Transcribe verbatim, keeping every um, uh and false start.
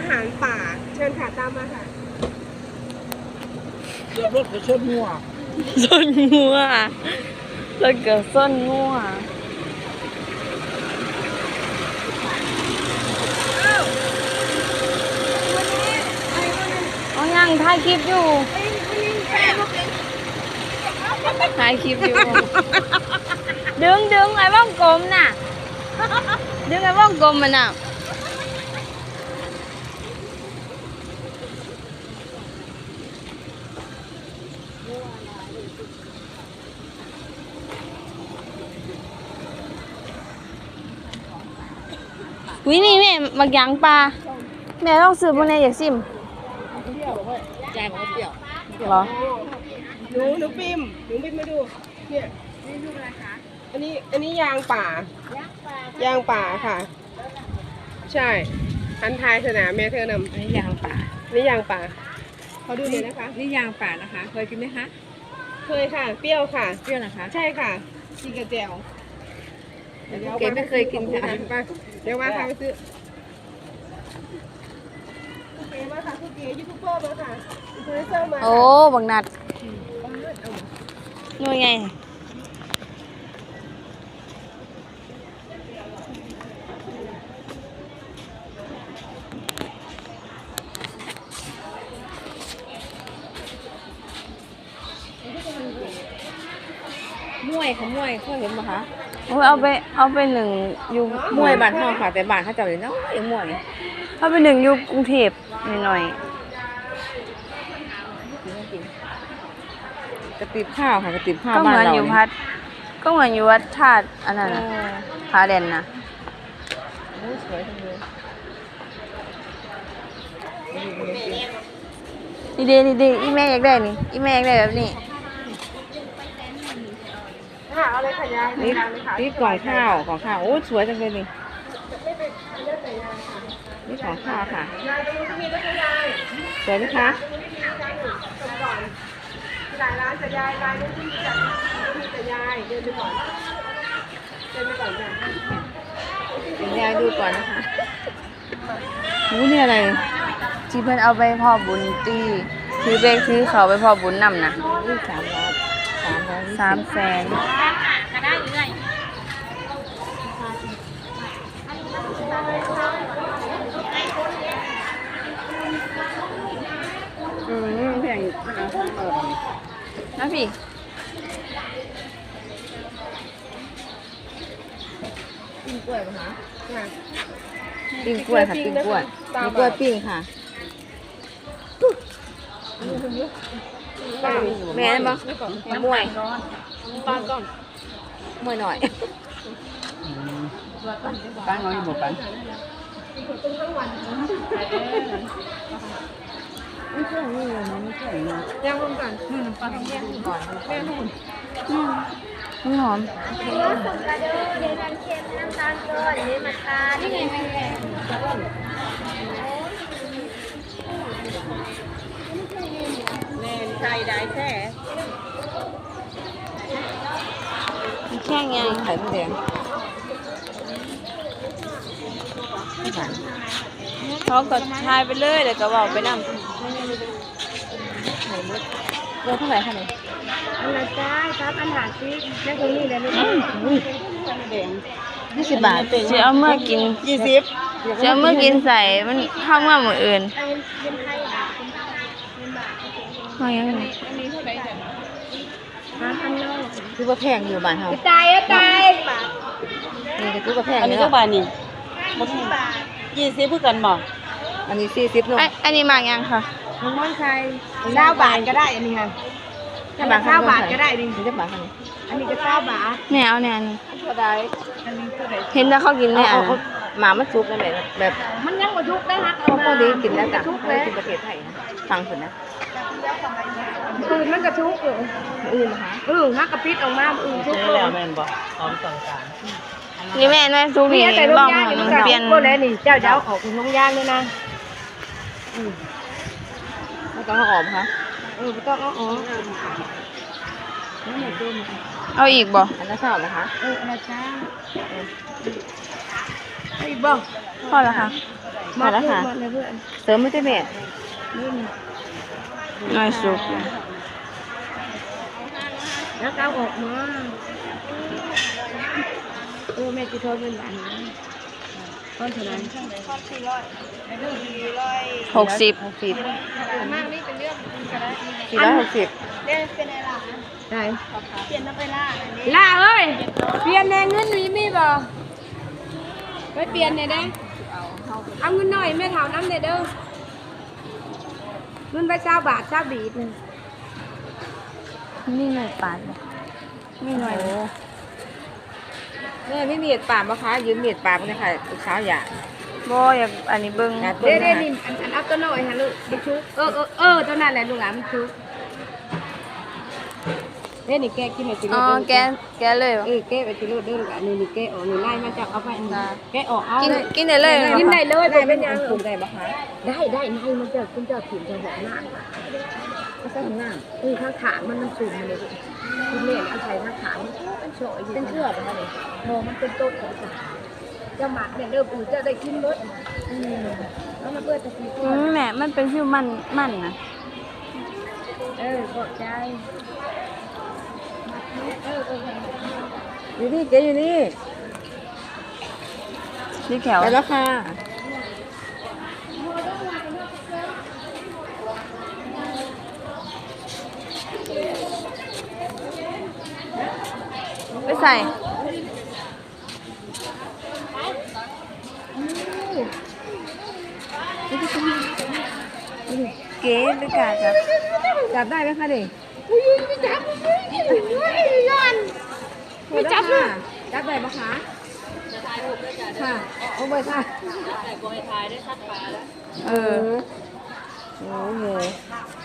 หารป่าเชิญค่ะตามมาค่ะเรียบรถกับส้นงัวส้นงัวแล้วก็ส้นงัวเอายังถ่ายคลิปอยู่ถ่ายคลิปอยู่ ดึงดึงไอ้ว่องกลมน่ะ ดึงไอ้ว่องกลมมันน่ะวินี่แม่มักยางปลาแม่ต้องซื้อพวกนี้อยากซิมยายบอกว่าเปรี้ยวเหรอหนูหนูปิมหนูปิมมาดูเนี่ยนี่ลูกอะไรคะอันนี้อันนี้ยางป่ายางป่าค่ะ ใช่อันทายสนามแม่เธอนำอันนี้ยางป่าอันนี่ยางป่าเขาดูเลยนะคะนี่ยางป่านะคะ เคยกินไหมคะเคยค่ะ เปรี้ยวค่ะเปรี้ยวนะคะใช่ค่ะกินกระเจียวเก๋ไม่เคยกินค่ะไปเดี๋ยวว่าพาไปซื้อเก๋มาค่ะคือเก๋ยูทูบเบอร์มาค่ะอินฟลูเอนเซอร์มาโอ้บักนัดนู่นไงมวยเขามวยเคยเห็นไหมคะโอ้ยเอาไปเอาไปหนึ่งอยู่มวยบ้านเฮาค่ะ แต่บ้านเขาเจ้าเลยเนาะไอ้มวยเอาไปหนึ่งอยู่กรุงเทพหน่อยกระติบข้าวค่ะกระติบข้าๆวก็เหบ้านมือนเราอยู่พัดก็เหมือนอยู่วัดธาตุอันนั้นน่ะพาแดนนะโอ้สวยจังเลยนี่เดนี่เดอีแม่อยากได้นี่อีแม่อยากได้แบบนี้ค่ะเอาเลยค่ะยายนี่ยายเลยค่ะนี่กล่องข้าวของข้าวโอ้สวยจังเลยนี่ไม่เป็นเลือดแต่ยายค่ะนี่ของข้าวค่ะยายตรงนี้มีด้วยค่ะยายสวยไหมคะตรงนี้มีจานหนึ่งจบก่อนมีหลายร้านแต่ยายร้านนี้ที่มีจัดมีแต่ยายเดินไปก่อนเดินไปก่อนจ้ะเดี๋ยวยายดูก่อนนะคะโอ้นี่อะไรที่เพิ่นเอาไปพ่อบุญตีถือเบกถือเขาไปพ่อบุญนำนะนี่สามร้อยสามร้อยสามแสนอืมแพงอยู่นะคะเออนะพี่ปิ้งกล้วยป่ะคะค่ะปิ้งกล้วยค่ะปิ้งกล้วยปิ้งกล้วยปิ้งค่ะแม่บ้างมวยปลาก่อนมวยหน่อยปลาน้อยหมดปัน ไม่ใช่นี่เลยนะไม่ใช่นะย่างรวมกันนี่น้ำปลาต้องแยกก่อนแม่นู่นอืมมันหอมแม่ใส่ได้แค่มันแค่ไงไข่มดแดงไม่ผ่านเขาก็ทายไปเลยเดี๋ยวก็บอกไปนำไข่มดเบอร์เท่าไหร่คะเนี่ยอันละจ้าครับอันหาซิแม่ตรงนี้เลยลูกแดงยี่สิบบาทจะเอาเมื่อกินยี่สิบจะเอาเมื่อกินใส่มันเข้าเมื่อหมดอื่นมายังไงคือว่าแพงอยู่บ้านเฮาตายอะตายนี่ก็คือว่าแพงอันนี้เนาะเท่าบาทนี่ยี่สิบเพื่อกันบ่อันนี้สี่สิบเนาะไอ้อันนี้มากยังค่ะน้องม่อนไทยเก้าบาทก็ได้อันนี้ค่ะถ้ามาเก้าบาทก็ได้ดินี่จะบาทเท่าไหร่อันนี้ก็เก้าบาทแม่เอาเนี่ยอันนี้ก็ได้อันนี้ก็ได้เห็นแล้วเขากินไหมเอาอ่ะเอาหมามันซุกนั่นแหละแบบมันยังมาทุกได้ฮักพอพอดีกินแล้วจ้ะทุกพอเลดียกินประเทศไทยนะฟังคนนะอื่นมันกระทุกอยู่อื่นนะคะอื่นฮักกระปิดออกมาอื่นทุกนี่เลแหละยแม่นบ่พร้อมสั่งการนี่แม่แม่ซุกนี่นี่แต่ลูกบ้องย่างหนี่มัมันนกระเปลี่ยนทุกเลยนี่เจ้าเจ้าออกคุณลูกย่างด้วยนะไม่ต้องเอาออกค่ะเออไม่ต้องเอาอ๋อเอาอีกบ่อันนั้นชอบนะคะเออนะจ้าอีกบ้างพอแล้วค่ะเมาแล้วค่ะมาเลยเพื่อนเสริมไม่ได้แม่น้อยสุกแล้วเอาออกมาเออแม่จะโทรเป็นหลานนะก้อนเท่าไหร่หกสิบหกสิบมากนี่เป็นเรื่องก็ได้สี่ร้อยหกสิบเรียกเป็นอะไรล่ะได้เปลี่ยนน้ำไปล่าอันนี้ล่าเอ้ยเปลี่ยนแนงเงินมีมีบ่ไปเปลี่ยนหน่อยได้เอาเงินหน่อยแม่ถามน้ำเด้อเด้อเงินไปเจ้าบาทเจ้าบีบนี่หน่อยปาดไม่หน่อยแม่ไม่มีดปากมะคะยืมมีดปากมาเลยค่ะลูกสาวอยากบ่อยากอันนี้เบิ่งอยากเด้เบิ่งเด้นี่อันอันเอาตัวหน่อยฮะลูกมันชุกเออเออเออตัวนั้นแหละลูกหลานมันชุกเด้นี่แกกินไปกินอ๋อเด้อแกแกเลยเออแกไปกินเด้อเด้อลูกหลานนี่นี่แกออกนี่ไล่มาจากเอาไปอันนี้แกออกเอากินเลยกินได้เลยกินได้เลยได้บ่เป็เป็น นยัยัง งปรุงได้ปะคะได้ได้ในมันจะคุณจะผิวจะหอมหน้าก็ใส่ถุงน้เออข้างขามันมันสูงมันเลยคุณแม่เอาใส่ข้างขามันมันโฉยอยู่ำเป็นเชื่อปะคะเนี่ยโมมันเป็นต้นของสาจะหมักเนี่ยเริ่มอูจะได้กินรสอืมแล้วมาเปิดตะกี้อืมแม่มันเป็นฟิวมันมันนะเออขอบใจอยู่นี่เจ๊อยู่นี่ที่แถวไปแล้วค่ะไปใส่เก๋ไปกาจับจับได้ไหมคะเด็กไม่จับเลยจับได้ปะคะค่ะโอ้ยค่ะเออโอ้โห